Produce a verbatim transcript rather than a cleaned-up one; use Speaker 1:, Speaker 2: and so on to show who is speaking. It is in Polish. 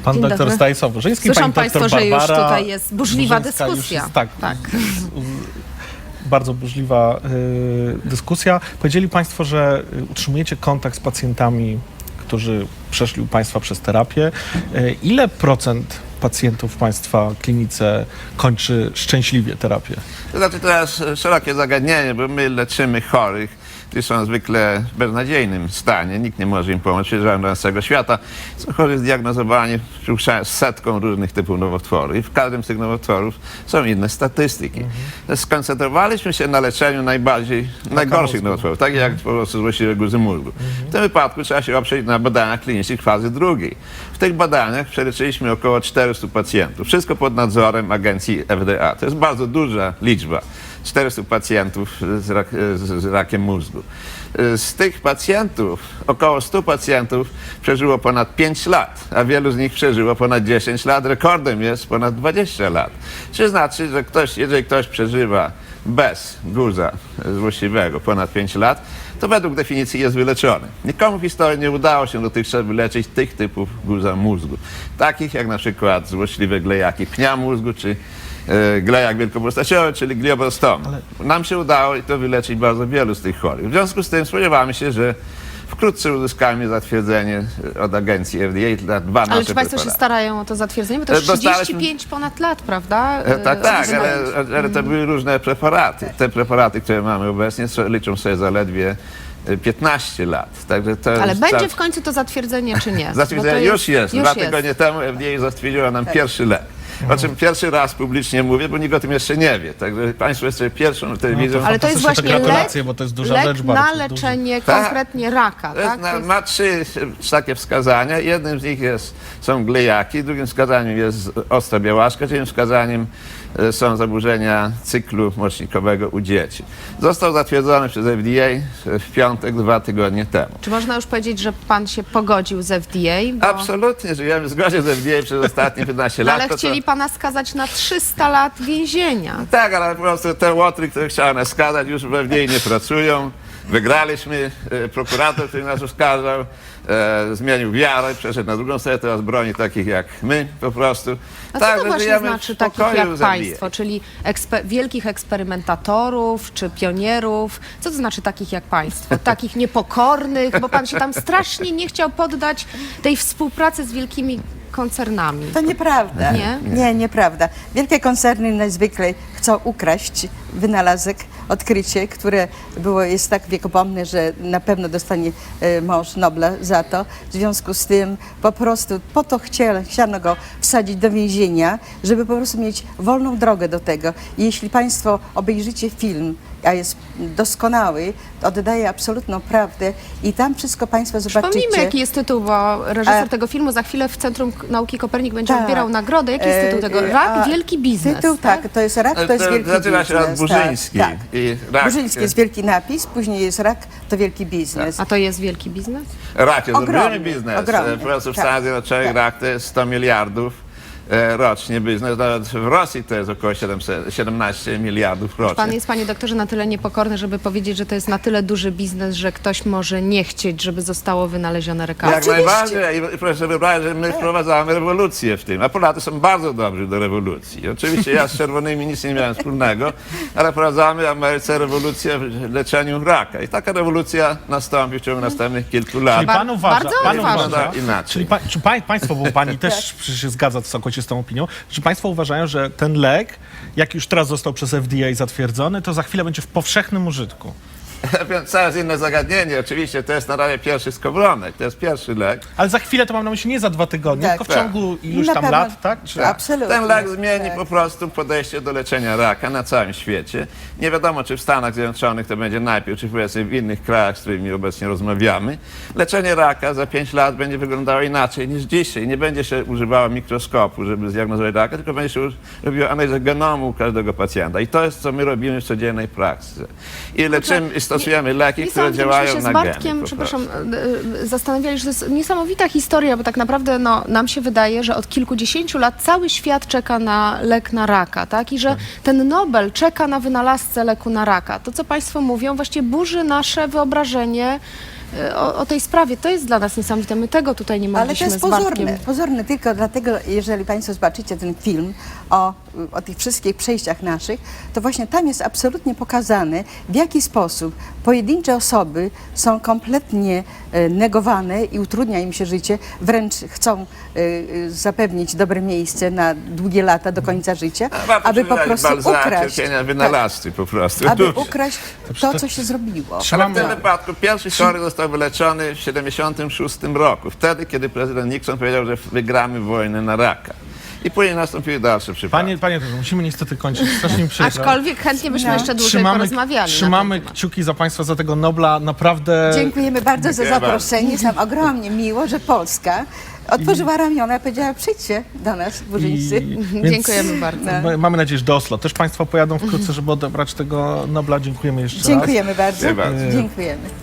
Speaker 1: Pan
Speaker 2: Dzień
Speaker 1: doktor
Speaker 2: dobry.
Speaker 1: Stanisław Burzyński,
Speaker 2: Słyszą
Speaker 1: pani
Speaker 2: Państwo,
Speaker 1: doktor
Speaker 2: że już
Speaker 1: Barbara
Speaker 2: tutaj jest burzliwa
Speaker 1: Burzyńska już
Speaker 2: dyskusja.
Speaker 1: Jest, tak,
Speaker 2: Tak.
Speaker 1: z- bardzo burzliwa y, dyskusja. Powiedzieli Państwo, że y, utrzymujecie kontakt z pacjentami, którzy przeszli u Państwa przez terapię. Y, ile procent pacjentów w Państwa klinice kończy szczęśliwie terapię?
Speaker 3: To znaczy to jest szerokie zagadnienie, bo my leczymy chorych, którzy są zwykle w beznadziejnym stanie. Nikt nie może im pomóc, przyjeżdżają do całego świata. Są chorzy zdiagnozowani z setką różnych typów nowotworów i w każdym z tych nowotworów są inne statystyki. Mhm. Skoncentrowaliśmy się na leczeniu najbardziej, najgorszych
Speaker 1: mózgu.
Speaker 3: nowotworów, tak jak po prostu złośliwe guzy mózgu. Mhm. W tym wypadku trzeba się oprzeć na badaniach klinicznych fazy drugiej. W tych badaniach przeleczyliśmy około czterystu pacjentów. Wszystko pod nadzorem agencji F D A. To jest bardzo duża liczba. czterystu pacjentów z, rak, z, z rakiem mózgu. Z tych pacjentów, około stu pacjentów przeżyło ponad pięć lat, a wielu z nich przeżyło ponad dziesięć lat. Rekordem jest ponad dwadzieścia lat. Czy znaczy, że ktoś, jeżeli ktoś przeżywa bez guza złośliwego ponad pięć lat, to według definicji jest wyleczony. Nikomu w historii nie udało się dotychczas wyleczyć tych typów guza mózgu. Takich jak na przykład złośliwe glejaki pnia mózgu, czy e, glejak wielkopostaciowy, czyli glioblastom. Ale... Nam się udało i to wyleczyć bardzo wielu z tych chorych. W związku z tym spodziewamy się, że wkrótce uzyskamy zatwierdzenie od agencji F D A dla dwa nasze
Speaker 2: Ale czy Państwo się
Speaker 3: preparaty.
Speaker 2: starają o to zatwierdzenie? Bo to już
Speaker 3: Dostaliśmy-
Speaker 2: trzydzieści pięć ponad lat, prawda?
Speaker 3: E, Tak, tak,
Speaker 2: Yy,
Speaker 3: ale, ale to były różne preparaty. Te preparaty, które mamy obecnie, so- liczą sobie zaledwie e, piętnaście lat. Także to
Speaker 2: Ale
Speaker 3: jest
Speaker 2: będzie
Speaker 3: cał-
Speaker 2: w końcu to zatwierdzenie, czy nie? Bo
Speaker 3: Zatwierdzenie
Speaker 2: to
Speaker 3: już jest.
Speaker 2: Już
Speaker 3: Dwa
Speaker 2: jest.
Speaker 3: tygodnie temu F D A zatwierdziła nam pierwszy lek. O czym pierwszy raz publicznie mówię, bo nikt o tym jeszcze nie wie. Także Państwo jesteście pierwszą telewizją.
Speaker 2: Ale to jest
Speaker 1: Fantastyczne,
Speaker 2: właśnie
Speaker 1: to gratulacje,
Speaker 2: lek,
Speaker 1: bo to jest duża
Speaker 2: lek
Speaker 1: rzecz
Speaker 2: na
Speaker 1: bardzo
Speaker 2: leczenie
Speaker 3: Tak.
Speaker 2: konkretnie raka,
Speaker 3: To jest
Speaker 2: tak?
Speaker 3: na,
Speaker 2: To jest-
Speaker 3: ma trzy e, takie wskazania. Jednym z nich jest, są glejaki, drugim wskazaniem jest ostra białaszka, trzecim wskazaniem e, są zaburzenia cyklu mocznikowego u dzieci. Został zatwierdzony przez F D A w piątek, dwa tygodnie temu.
Speaker 2: Czy można już powiedzieć, że Pan się pogodził z F D A? Bo...
Speaker 3: Absolutnie, żyjemy w zgodzie z F D A przez ostatnie piętnaście
Speaker 2: No,
Speaker 3: lat.
Speaker 2: ale
Speaker 3: To, co-
Speaker 2: chcieli Pana skazać na trzysta lat więzienia.
Speaker 3: Tak, ale po prostu te łotry, które chciałem nas skazać, już w F D A nie pracują. Wygraliśmy, e, prokurator, który nas oskarżał, e, zmienił wiarę, przeszedł na drugą stronę, teraz broni takich jak my po prostu.
Speaker 2: A co
Speaker 3: Tak,
Speaker 2: to
Speaker 3: że
Speaker 2: właśnie
Speaker 3: żyjemy w
Speaker 2: znaczy takich
Speaker 3: spokoju
Speaker 2: jak
Speaker 3: z F D A.
Speaker 2: Państwo, czyli ekspe- wielkich eksperymentatorów czy pionierów? Co to znaczy takich jak Państwo? Takich niepokornych, bo Pan się tam strasznie nie chciał poddać tej współpracy z wielkimi koncernami.
Speaker 4: To nieprawda.
Speaker 2: Nie?
Speaker 4: Nie, nieprawda. Wielkie koncerny najzwykle chcą ukraść wynalazek, odkrycie, które było, jest tak wiekopomne, że na pewno dostanie e, mąż Nobla za to. W związku z tym po prostu po to chciano, chciano go wsadzić do więzienia, żeby po prostu mieć wolną drogę do tego. I jeśli Państwo obejrzycie film, a jest doskonały, to oddaje absolutną prawdę i tam wszystko Państwo zobaczycie.
Speaker 2: Przypomnijmy, jaki jest tytuł, bo reżyser
Speaker 4: A-
Speaker 2: tego filmu za chwilę w Centrum Nauki Kopernik będzie
Speaker 4: Tak.
Speaker 2: odbierał nagrodę. Jaki jest tytuł tego?
Speaker 4: E,
Speaker 2: Rak,
Speaker 4: a
Speaker 2: wielki biznes.
Speaker 4: Tytuł, tak, to jest rak, to jest
Speaker 3: To
Speaker 4: wielki
Speaker 3: zaczyna
Speaker 4: biznes.
Speaker 3: się od Burzyński.
Speaker 4: Tak, tak.
Speaker 3: I rak,
Speaker 4: Burzyński jest wielki napis, później jest rak, to wielki biznes.
Speaker 2: A to jest wielki biznes?
Speaker 3: rak jest
Speaker 4: Ogromny,
Speaker 3: olbrzymi biznes.
Speaker 4: ogromny,
Speaker 3: E, Po prostu w
Speaker 4: tak,
Speaker 3: Stanach Zjednoczonych
Speaker 4: tak.
Speaker 3: rak to jest sto miliardów e, rocznie biznes. Nawet w Rosji to jest około siedemset, siedemnaście miliardów rocznie.
Speaker 2: Pan jest, panie doktorze, na tyle niepokorny, żeby powiedzieć, że to jest na tyle duży biznes, że ktoś może nie chcieć, żeby zostało wynalezione lekarstwo.
Speaker 3: Jak najbardziej. I proszę sobie wyobrazić, że my wprowadzamy rewolucję w tym. A Polacy są bardzo dobrzy do rewolucji. Oczywiście ja z czerwonymi nic nie miałem wspólnego, ale wprowadzamy w Ameryce rewolucję w leczeniu raka. I taka rewolucja nastąpi w ciągu następnych kilku lat.
Speaker 1: Czyli pan uważa,
Speaker 2: bardzo
Speaker 1: pan
Speaker 2: ważne.
Speaker 1: uważa
Speaker 3: Inaczej.
Speaker 1: czyli pa, czy pa, państwo, bo pani też przecież się zgadza całkowicie z tą opinią, czy państwo uważają, że ten lek, jak już teraz został przez F D A zatwierdzony, to za chwilę będzie w powszechnym użytku?
Speaker 3: Więc coraz inne zagadnienie. Oczywiście to jest na razie pierwszy skowronek, to jest pierwszy lek.
Speaker 1: Ale za chwilę to mam na myśli nie za dwa tygodnie,
Speaker 4: Tak,
Speaker 1: tylko w
Speaker 3: tak.
Speaker 1: ciągu iluś
Speaker 4: Na
Speaker 1: tam
Speaker 4: pewno-
Speaker 1: lat, tak? Czy...
Speaker 4: Absolutnie.
Speaker 3: Ten lek zmieni
Speaker 4: Tak.
Speaker 3: po prostu podejście do leczenia raka na całym świecie. Nie wiadomo, czy w Stanach Zjednoczonych to będzie najpierw, czy powiedzmy w innych krajach, z którymi obecnie rozmawiamy. Leczenie raka za pięć lat będzie wyglądało inaczej niż dzisiaj. Nie będzie się używało mikroskopu, żeby zdiagnozować raka, tylko będzie się robiło analizę genomu każdego pacjenta. I to jest, co my robimy w codziennej praktyce. I leczymy, i stosujemy leki,
Speaker 2: Nie
Speaker 3: które
Speaker 2: sądzę,
Speaker 3: działają
Speaker 2: myśmy się
Speaker 3: na
Speaker 2: z
Speaker 3: geny.
Speaker 2: Bartkiem,
Speaker 3: po
Speaker 2: przepraszam,
Speaker 3: prostu.
Speaker 2: e, e, zastanawiali, że to jest niesamowita historia, bo tak naprawdę no, nam się wydaje, że od kilkudziesięciu lat cały świat czeka na lek na raka, tak? I że ten Nobel czeka na wynalazcę leku na raka. To, co Państwo mówią, właściwie burzy nasze wyobrażenie e, o, o tej sprawie. To jest dla nas niesamowite. My tego tutaj nie
Speaker 4: Ale to
Speaker 2: mogliśmy
Speaker 4: jest
Speaker 2: z Bartkiem.
Speaker 4: pozorne, pozorne tylko dlatego, jeżeli Państwo zobaczycie ten film o, o tych wszystkich przejściach naszych, to właśnie tam jest absolutnie pokazane, w jaki sposób pojedyncze osoby są kompletnie e, negowane i utrudnia im się życie, wręcz chcą e, e, zapewnić dobre miejsce na długie lata do końca życia,
Speaker 3: Warto
Speaker 4: aby po
Speaker 3: przeczytać
Speaker 4: prostu
Speaker 3: Balzaca,
Speaker 4: ukraść,
Speaker 3: cierpienia
Speaker 4: tak,
Speaker 3: wynalazcy po prostu.
Speaker 4: aby
Speaker 3: Ludzie.
Speaker 4: ukraść to, co się zrobiło.
Speaker 3: Ale w
Speaker 1: Trzymamy,
Speaker 3: tym wypadku pierwszy chory został wyleczony w siedemdziesiątym szóstym roku, wtedy, kiedy prezydent Nixon powiedział, że wygramy wojnę na raka. I później nastąpiły dalsze przypadki.
Speaker 1: panie, panie Jerzy, musimy niestety kończyć. Strasznie mi przykro.
Speaker 2: Aczkolwiek chętnie byśmy
Speaker 4: No.
Speaker 2: jeszcze dłużej
Speaker 1: Trzymamy,
Speaker 2: porozmawiali.
Speaker 1: trzymamy
Speaker 2: na ten temat.
Speaker 1: kciuki za państwa, za tego Nobla. Naprawdę
Speaker 4: Dziękujemy bardzo za
Speaker 3: Dziękuję
Speaker 4: zaproszenie. Jest nam ogromnie miło, że Polska otworzyła ramiona i powiedziała, przyjdźcie do nas, burzyńcy.
Speaker 1: więc
Speaker 2: Dziękujemy bardzo.
Speaker 1: m- Mamy nadzieję, że do Oslo. Też państwo pojadą wkrótce, żeby odebrać tego Nobla. Dziękujemy jeszcze raz.
Speaker 4: Dziękujemy bardzo.
Speaker 3: Dziękuję bardzo.
Speaker 4: Dziękujemy.